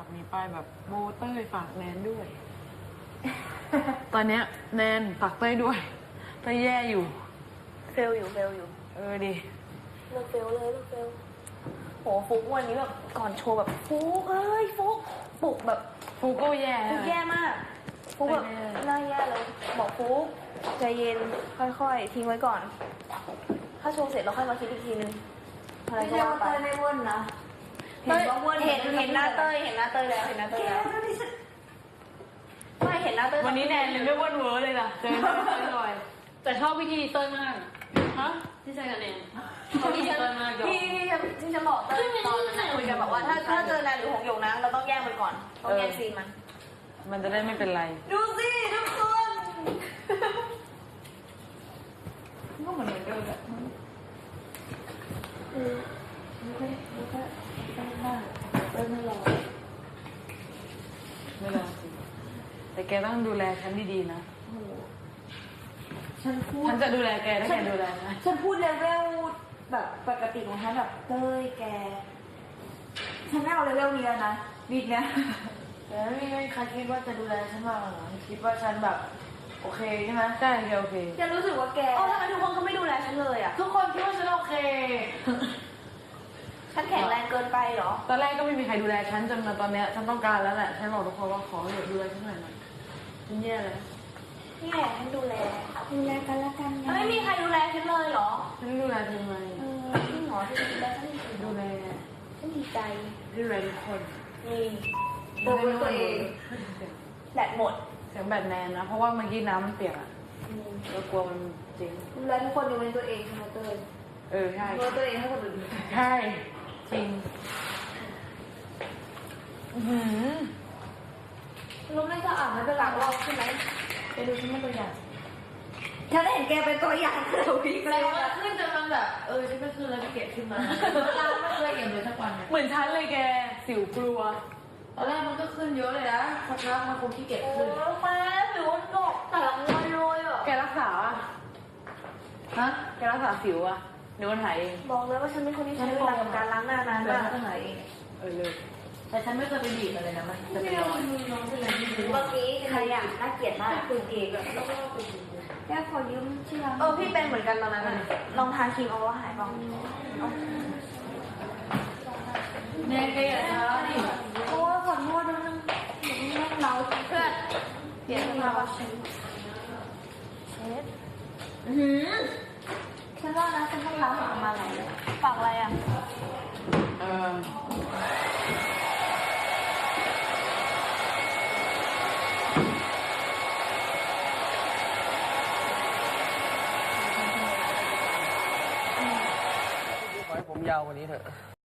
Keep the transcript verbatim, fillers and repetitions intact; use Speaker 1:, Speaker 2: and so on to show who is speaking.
Speaker 1: มีป้ายแบบโบเต้ยฝากแนนด้วย ตอนเนี้ยแนนฝากเต้ยด้วยเต้ยแย่อยู่
Speaker 2: เฟลอยู่เฟลอยู่
Speaker 1: เออดิ
Speaker 2: เลิกเฟลเลยเลิกเฟลโหฟุกวันนี้แบบก่อนโชว์แบบฟุกเอ้ยฟุกปลุกแบบ
Speaker 1: ฟูโก้แย่
Speaker 2: ฟุกแย่มากฟุกแบบน่าแย่เลยบอกฟุกใจเย็นค่อยๆทิ้งไว้ก่อนถ้าโชว์เสร็จเราค่อยมาคิดอีกทีนึงอะไรก็ว่าไปไม่ว่นนะเห็นว่าว่นเห็นเห็นหน้าเต้ยเห็นหน้าเต้ยแล้วเห็นหน้าเต้ยแล้วไม่เห็นหน้าเต้ย
Speaker 1: วันนี้แนนเลยไม่ว่นเวอร์เลยล่ะเจอเต้ยลอยแต่ชอบวิธีเต้ยมากฮะที่ใจกับแนน
Speaker 2: ที่ฉันที่ที่ฉันที่ฉันบอกเต้ยตอนนั้นคุยกันบอกว่าถ้าถ้าเจอแนนหรือหงหยกนะเราต้องแยกมันก่อนต้องแยกซีนมัน
Speaker 1: มันจะได้ไม่เป็นไร
Speaker 2: ดูสิทุกคน
Speaker 1: ก็เหมือนเดิมแบบ
Speaker 2: คือไม่ค่อยไม่ค่อยไม่มากเต้ยไม่รอ
Speaker 1: ไม่รอสิแต่แกต้องดูแลฉันดีๆนะ
Speaker 2: ฉันพูด
Speaker 1: ฉันจะดูแลแกถ้าแกดูแลนะ
Speaker 2: ฉันพูดเลเวลแบบปกติของฉันแบบเต้ยแกฉันไม่เอาเลเวลนี้แล้วนะบิดเนี่ย
Speaker 1: แต่ไม่มีใครคิดว่าจะดูแลฉันมากหรอคิดว่าฉันแบบโอเคใช่ไหมใช่โอเค
Speaker 2: ฉันรู้สึกว่าแกอ๋อทำไมทุกคนเขาไม่ดูแลฉันเลยอ่ะ
Speaker 1: ทุกคนคิดว่าฉันโอเค
Speaker 2: ฉันแข็งแรงเกินไปเหรอ
Speaker 1: ตอนแรกก็ไม่มีใครดูแลฉันจนมาตอนเนี้ยฉันต้องการแล้วแหละฉันบอกทุกคนว่าขอเหลือดูแลฉันหน่อยหน่อยฉันแย่เลย
Speaker 2: นี่แหละฉันดูแลดูแลกันละกันไม่มีใครดูแลฉันเลยเหรอ
Speaker 1: ฉันดูแลเธอไหม
Speaker 2: เออที่หมอที่ดูแลฉัน
Speaker 1: ดูแล
Speaker 2: ฉันดีใจ
Speaker 1: ดูแลทุกคน
Speaker 2: นี่ดูแลตัวเองแบตหมด
Speaker 1: เสียงแบตแนนนะเพราะว่าเมื่อกี้น้ำมันเปียกอ่ะเรากลัวมันจริง
Speaker 2: ดูแลทุกคนดูแลตัวเองใช่ไหมเต้ย
Speaker 1: เออใช่
Speaker 2: ดูแลตัวเองให้คนอื่น
Speaker 1: ใช่จริงหืม
Speaker 2: รู้ไม่สะอาดไม่เป็นหลักเราใช่ไหม
Speaker 1: ไปดูฉันเป็นตัวอย่าง
Speaker 2: ฉันเห็นแกเป็นตัวอย่างเราพี่
Speaker 1: เลยว่าขึ้นจนมันแบบเออฉันก็ขึ้นแล้วก็เก็บขึ้นมาเราไม่เคยเก็บเลยสักวันเหมือนฉันเลยแกสิวกลัวตอนแรกมันก็ขึ้นเยอะเลยนะสักพักมันคงขี้เกียจขึ้น
Speaker 2: โอ้แม่ผิวหนกแต่ละงอยเลยอ่ะ
Speaker 1: แกรักษาฮะแกรักษาสิวอ่ะเดี๋ยวมันหายเอง
Speaker 2: บอกเลยว่าฉันเป็นคนที่ใช้เวลากับการล้างหน้านานมาก
Speaker 1: ก็หายเองเออเลยแต่ฉันไม่เคยไปบีบอะไรนะมันจะเป็นรอยน้องเป็นอะไรที่
Speaker 2: เมื่อกี้ใครอ่ะน่าเกลียดมากคุณเอกแล้วก็คุณแค่ขอยืมชื่อร้านเออพี่เป็นเหมือนกันตอนนั้นลองทานครีมเอาว่าหายบ้าง
Speaker 1: แน่แกอย่าช้าดิ
Speaker 2: โอ้ขอโทษด้วยนะแม่เราเพื่อนเปลี่ยนมาว่าเช็ดเช็ดหืมฉันว่านะฉันต้องล้างออกมาอะไรฝากอะไรอ่ะ
Speaker 1: เออ
Speaker 3: ขอให้ผมยาวกว่านี้เถอะ